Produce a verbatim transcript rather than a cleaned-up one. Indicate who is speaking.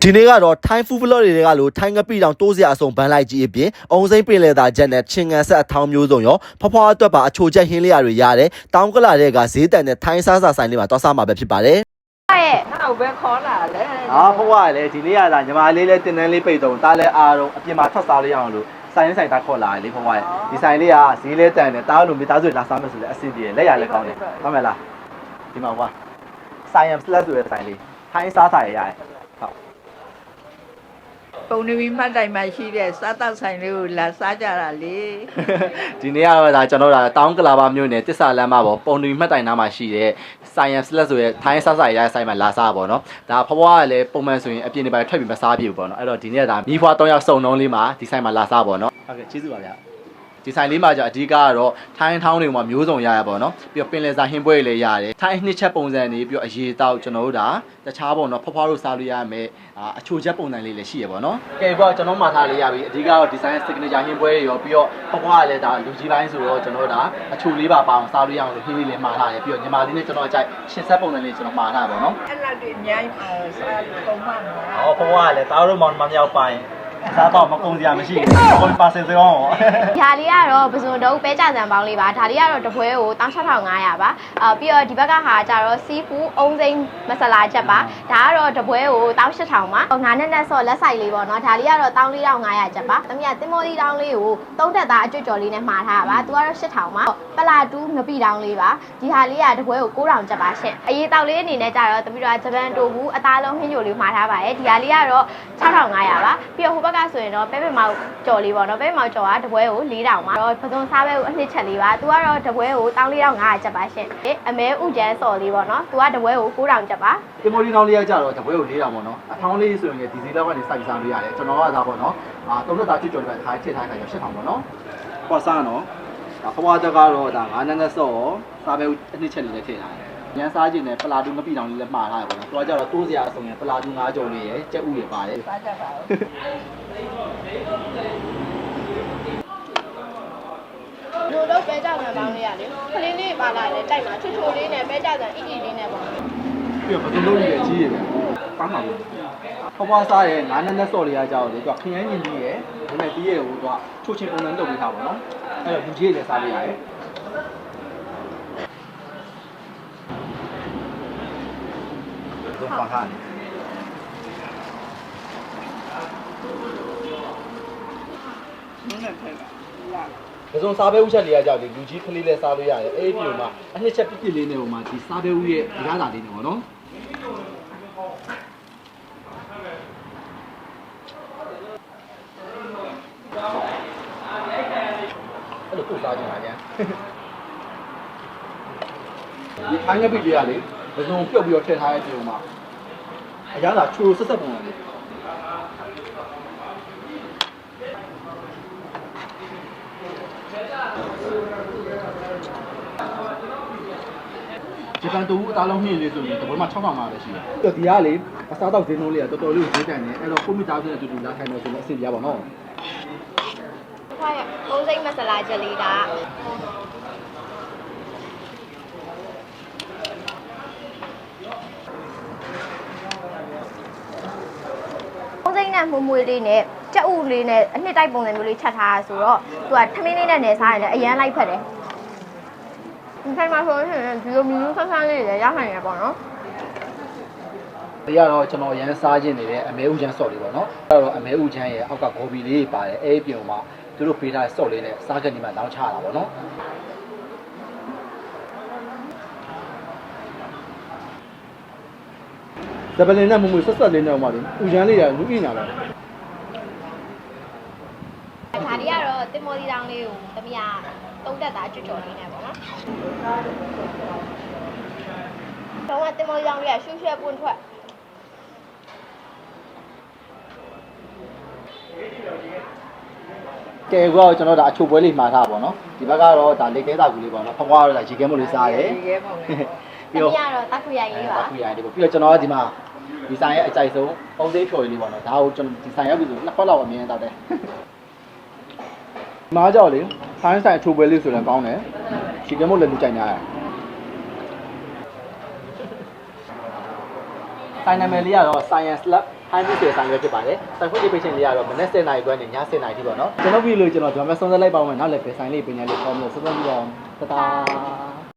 Speaker 1: ဒီနေ့ကတော့ထိုင်းဖူးဖလော့တွေကလို့ထိုင်းငပိတောင်တိုးစရာအစုံဘန်းလိုက်ကြီးအပြင်အုံစိမ့်ပင်လေသာချက်နဲ့ချင်းငံဆက်အထောင်းမျိုးစုံရောဖွားဖွားအတွက်ပါအချိုချက်ဟင်းလေးရတွေရတယ်တောင်းကလာတဲ့ကဈေးတန်တဲ့ထိုင်းစားစာဆိုင်လေးမှာတွားစားမှာပဲဖြစ်ပါတယ်
Speaker 2: ရဲ့နောက်ပဲခေါ်လာလေ
Speaker 1: ဟာဖွားဖွားလည်းဒီနေ့ရတာညီမလေးလည်းတင်တန်းလေးပိတ်တော့တားလဲအားတော့အပြင်မှာထွက်စားလို့ရအောင်လို့ဆိုင်ဆိုင်တာခေါ်လာလေဖွားဖွားဒီဆိုင်လေးကဈေးလဲတန်တယ်တားလို့မိသားစုလာစားမယ်ဆိုလည်းအဆင်ပြေလက်ရလည်းကောင်းတယ်ဟုတ်မယ်လားဒီမှာကွာဆိုင်ရမ်စလက်ဆိုတဲ့ဆိုင်လေးထိုင်းစားစာရရတယ်
Speaker 2: ပုံနေပြီးမှတ်တိုင်မှရှိတဲ့စားတောက်ဆိုင်လေးကိုလာစားကြတာလေ
Speaker 1: ဒီနေ့ကတော့ဒါကျွန်တော်တို့တောင်းကလာပါမြို့နယ်တစ္ဆာလမ်းမှာပေါ့ပုံနေပြီးမှတ်တိုင်နားမှာရှိတဲ့ Science Lab ဆိုရဲထိုင်းစားစာရရဆိုင်မှာလာစားပါတော့ဒါဖွားဖွားကလည်းပုံမှန်ဆိုရင်အပြင်နေပါထွက်ပြီးမစားပြဘူးပေါ့နော်အဲ့တော့ဒီနေ့ကဒါမိဖွား၃ယောက်စုံလုံးလေးမှာဒီဆိုင်မှာလာစားပါတော့ဟုတ်ကဲ့ကျေးဇူးပါဗျာဒီဆိုင်လေးမှာじゃအဓိကကတော့ထိုင်းထောင်းတွေမှာမျိုးစုံရရပါတော့ပြီးတော့ပင်လယ်စာဟင်းပွဲတွေလည်းရတယ်ထိုင်းနှစ်ချက်ပုံစံတွေပြီးတော့အရေးတောက်ကျွန်တော်တို့ဒါတခြားပေါ့နော်ဖွားဖွားတို့စားလို့ရမယ်အချိုချက်ပုံစံလေးလည်းရှိရပါတော့ကဲပေါ့ကျွန်တော်မှာထားလေးရပြီအဓိကတော့ဒီဆိုင် signature ဟင်းပွဲတွေရောပြီးတော့ဖွားဖွားကလည်းဒါလူကြီးပိုင်းဆိုတော့ကျွန်တော်တို့ဒါအချိုလေးပါပါအောင်စားလို့ရအောင်လို့ဟင်းလေးလည်းမှာထားတယ်ပြီးတော့ညီမလေးနဲ့ကျွန်တော်အကြိုက်ရှင်းဆက်ပုံစံလေးကျွန်တော်မှာထားပါတော့
Speaker 2: အဲ့လောက်တွေအများကြီးပါစားပုံမှန်ပါ
Speaker 1: ဟောဖွားဖွားကလည်းတားတို့မောင်မမြောက်ပိုင်းစားတော့မကုန်စရာမရှိဘူးကိုပါစင်စရော
Speaker 3: ဒါလေးကတော့ပစုံတုံးပဲကြစံပေါင်းလေးပါဒါလေးကတော့တပွဲကို၁၆၅၀၀ပါအာပြီးတော့ဒီဘက်ကဟာကျတော့စီဖူးအုံစိမ့်မဆလာချက်ပါဒါကတော့တပွဲကို၁၈၀၀၀ပါငါးနဲ့နဲ့ဆော့လက်ဆိုင်လေးပေါ့နော်ဒါလေးကတော့၁၄၅၀၀ချက်ပါတမီးကတင်မော်ဒီတောင်းလေးကိုသုံးတက်သားအကျွတ်ကျော်လေးနဲ့မှာထားပါသူကတော့၈၀၀၀ပါပလာတူးငပိတောင်းလေးပါဒီဟာလေးကတပွဲကို၉၀၀၀ချက်ပါရှင့်အရေးတောက်လေးအနေနဲ့ကျတော့တမီးတို့ကဂျပန်တိုဘူးအသားလုံးဟင်းချိုလေးမှာထားပါတယ်ဒီဟာလေးကတော့၆ထောင်၅ရာပါပြီးတော့ဟိုဘက်ကဆိုရင်တော့ပဲပဲမောက်ကြော်လေးပေါ့နော်ပဲပဲမောက်ကြော်ကတပွဲကို၄တောင်ပါတော့ပစုံစားပဲကိုအနှစ်ချက်လေးပါသူကတော့တပွဲကို၁၄၅၀၀ချက်ပါရှင့်အမဲဥကျန်းစော်လေးပေါ့နော်သူကတပွဲကို၉တောင်ချက်ပါ
Speaker 1: ဒီမိုဒီနောင်လေးကကြတော့တပွဲကို၄တောင်ပေါ့နော်အထောင်းလေးဆိုရင်ဒီစီလောက်ကနေစိုက်စားလို့ရတယ်ကျွန်တော်ကဒါပေါ့နော်အာသုံးသက်သားကျွတ်ကြော်တွေထားထည့်ထားခိုင်းတော့၈ထောင်ပေါ့နော်ဟောစားနော်ဒါဖွားတက်ကတော့ဒါငါးနန်းနဲ့စော့စားပဲအနှစ်ချက်လေးနဲ့ထည့်ထားတယ်ရန်စားခြင်းနဲ့ပလာတူမပိတောင်လေးလည်းမှားထားရပါတော့။သွားကြတော့တိုးစရာအစုံရပလာတူငါးကြော်လေးရယ်ကြက်ဥတွေပါတယ်။စားကြပါဦး။
Speaker 3: လူတော့ပဲကြဆန်ပေါင်းလေးရလေ။ခလေးလေးပါလာလေတိုက်မှာချွတ်ချိုလေးနဲ့ပဲကြဆန်အီအီလေးနဲ့ပေါ့
Speaker 1: ။ပြီးတော့ဘယ်လိုလုပ်ရကြီးရယ်။ကောင်းပါဘူး။ဖွားဖွားစားရယ်ငါးနန်းနဲ့စော့လေးရကြတော့လေသူကခရမ်းညင်ကြီးရယ်ဒါနဲ့တီးရယ်ဟိုသူကချိုးချင်းပုံစံလုပ်ပေးထားပါတော့။အဲ့တော့လူကြီးလည်းစားလို့ရတယ်။都放下你。ဒီဆုံးစားပဲဥချက်လေးရကြောက်ဒီလူကြီးကလေးလေးစားလို့ရတယ်အဲ့ဒီပြုံမှာအနှစ်ချက်ပြပြလေးနဲ့ဟိုမှာဒီစားပဲဥရဲ့ဒီကားစာလေးနဲ့ပေါ့နော်အဲ့လိုပို့စားကြပါကြဒီခိုင်းရပြီလေးရလေဘယ်စုံပြုတ်ပြီးတော့ထည့်ထားတဲ့ပြုံမှာအရသာချိုးဆက်ဆက်ပုံလေးဂျပန်တူအသားလုံးနှင်းလေးဆိုရင်တပွဲမှာ၆ထောင်၅ပဲရှိတယ်။ဒီကလေအစားတော့ဈေးနှုန်းလေးကတော်တော်လေးဈေးတန်နေအဲ့တော့ကိုမိသားစုနဲ့အတူတူလာထိုင်မယ်ဆိုတော့အဆင်ပြေပါတော့
Speaker 3: ။ခွာရအုံးစိမ့်မဆလာချက်လေးကနဲ့မွေးမွေးလေးနဲ့ကြက်ဥလေးနဲ့အနှစ်တိုက်ပုံစံမျိုးလေးချက်ထားဆိုတော့သူကထမင်းလေးနဲ့နေစားရတယ်အရန်လိုက်ဖက်တယ်ဒီဆိုင်မှာဆိုရင်ဒီလိုမျိုးဆန်းဆန်းလေးတွေရနိုင်ရပေါ့နော်
Speaker 1: ဒီကတော့ကျွန်တော်ရန်စားခြင်းနေတဲ့အမဲဥချမ်းဆော့လေးပေါ့နော်အဲ့တော့အမဲဥချမ်းရဲ့အောက်ကဂိုဘီလေးပါတယ်အဲ့ဒီပြုံမှာသူတို့ပေးထားတဲ့ဆော့လေးနဲ့စားကနေမှလောင်းချတာပေါ့နော်ဇပလင်နဲ့မမွေဆက်ဆက်လေးနဲ့ဟိုမှာလေဥချမ်းလေးကလူအိနာပဲ
Speaker 3: ဒါဒီကတော့တင်မော်ဒီတောင်လေးကိုတမီးကတုံးတက်တာကျွတ်ကျော်လေးနဲ့ပေါ့နော်တော့ကတင်မော်ဒီတောင်လေးကရှူးရှဲပွန့်ထွက်ကဲ
Speaker 1: ကောကျွန်တော်ဒါအချိုပွဲလေးမှာထားပါတော့ဒီဘက်ကတော့ဒါလက်သေးတာကူလေးပေါ့နော်ဖွားဖွားတော့ဒါရေခဲမို့လေးစားတယ်
Speaker 3: ရေခဲမို့လေးပြီးတော့တက်ခွေရိုင်လေးပါ
Speaker 1: တက်ခွေရိုင်လေးပေါ့ပြီးတော့ကျွန်တော်ကဒီမှာဒီဆိုင်ရဲ့အကြိုက်ဆုံးပုံသေးဖြော်လေးပေါ့နော်ဒါကိုကျွန်တော်ဒီဆိုင်ရောက်ပြီဆိုနှစ်ခွက်လောက်အမြင်တောက်တယ်ဒီမှာကြောက်လေဆိုင်းဆိုင်အချိုပွဲလေးဆိုလည်းကောင်းတယ်ရေခဲမို့လည်းလူကြိုက်များတယ်ဆိုင်နာမည်လေးကတော့ Science Lab ဟိုင်းမီဆိုဆိုင်ရွက်ဖြစ်ပါတယ်ဆိုင်ဖွင့်ပေးခြင်းလေးကတော့မနက်ဆယ်နာရီခွဲနဲ့ညဆယ်နာရီထိပေါ့နော်ကျွန်တော်ပြီးလို့ကျွန်တော်ဒီမှာဆုံးသက်လိုက်ပါဦးမယ်နောက်လည်းပဲဆိုင်လေးပညာလေးပေါင်းလို့ဆက်သွယ်ပြီးတော့တတာ